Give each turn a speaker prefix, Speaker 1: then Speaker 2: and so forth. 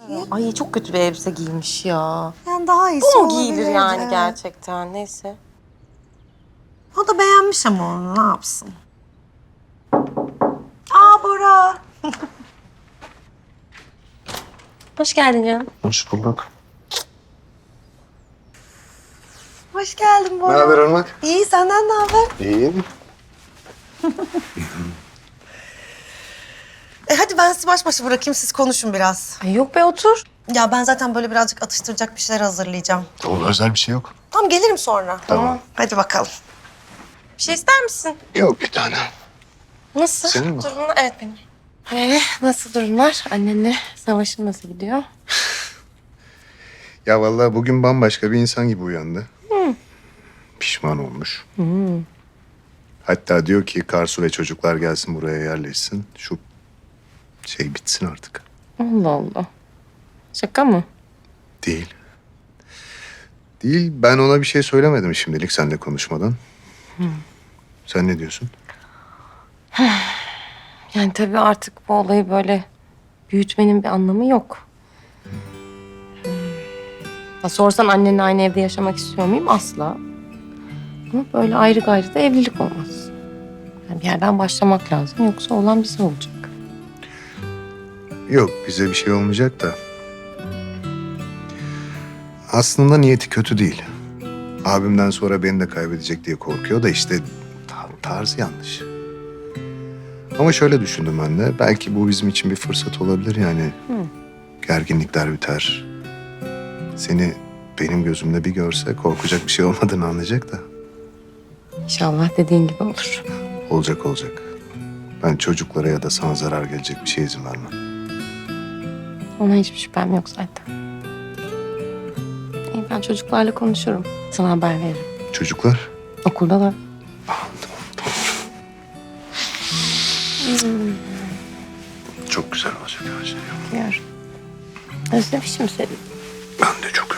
Speaker 1: Ay çok kötü bir elbise giymiş ya.
Speaker 2: Yani daha iyisi
Speaker 1: Bu mu
Speaker 2: olabilirdi.
Speaker 1: giyilir yani
Speaker 2: Evet.
Speaker 1: gerçekten? Neyse.
Speaker 2: O da beğenmiş ama onu ne yapsın? Aa Bora.
Speaker 1: Hoş geldin canım.
Speaker 3: Hoş bulduk.
Speaker 2: Hoş geldin Bora.
Speaker 3: Ne haber Irmak?
Speaker 2: İyi senden ne haber?
Speaker 3: İyiyim.
Speaker 2: Hadi ben sizi baş başa bırakayım siz konuşun biraz.
Speaker 1: Ay yok be otur.
Speaker 2: Ya ben zaten böyle birazcık atıştıracak bir şeyler hazırlayacağım.
Speaker 3: Olur, özel bir şey yok.
Speaker 2: Tamam gelirim sonra.
Speaker 3: Tamam.
Speaker 2: Hadi bakalım.
Speaker 1: Bir şey ister misin?
Speaker 3: Yok bir tane.
Speaker 1: Nasıl?
Speaker 3: Senin mi?
Speaker 1: Durumlar? Evet benim. Nasıl durumlar? Annenle savaşın nasıl gidiyor?
Speaker 3: Ya vallahi bugün bambaşka bir insan gibi uyandı. Pişman olmuş. Hatta diyor ki Karsu ve çocuklar gelsin buraya yerleşsin. Şu şey bitsin artık.
Speaker 1: Allah Allah. Şaka mı?
Speaker 3: Değil. Değil. Ben ona bir şey söylemedim şimdilik seninle konuşmadan. Sen ne diyorsun?
Speaker 1: Yani tabii artık bu olayı böyle büyütmenin bir anlamı yok. Ya sorsan annenle aynı evde yaşamak istiyor muyum? Asla. Ama böyle ayrı gayrı da evlilik olmaz. Yani bir yerden başlamak lazım. Yoksa olan bize olacak.
Speaker 3: Yok bize bir şey olmayacak da. Aslında niyeti kötü değil. Abimden sonra beni de kaybedecek diye korkuyor da işte tarzı yanlış. Ama şöyle düşündüm ben de. Belki bu bizim için bir fırsat olabilir yani. Gerginlikler biter. Seni benim gözümde bir görse korkacak bir şey olmadığını anlayacak da.
Speaker 1: İnşallah dediğin gibi olur.
Speaker 3: Olacak olacak. Ben çocuklara ya da sana zarar gelecek bir şeye izin vermem.
Speaker 1: Ona hiçbir şüphem yok zaten. İyi, ben çocuklarla konuşurum. Sana haber veririm.
Speaker 3: Çocuklar?
Speaker 1: Okuldalar.
Speaker 3: Çok güzel olacak her şey.
Speaker 1: Biliyorum. Özlemişim seni.
Speaker 3: Ben de çok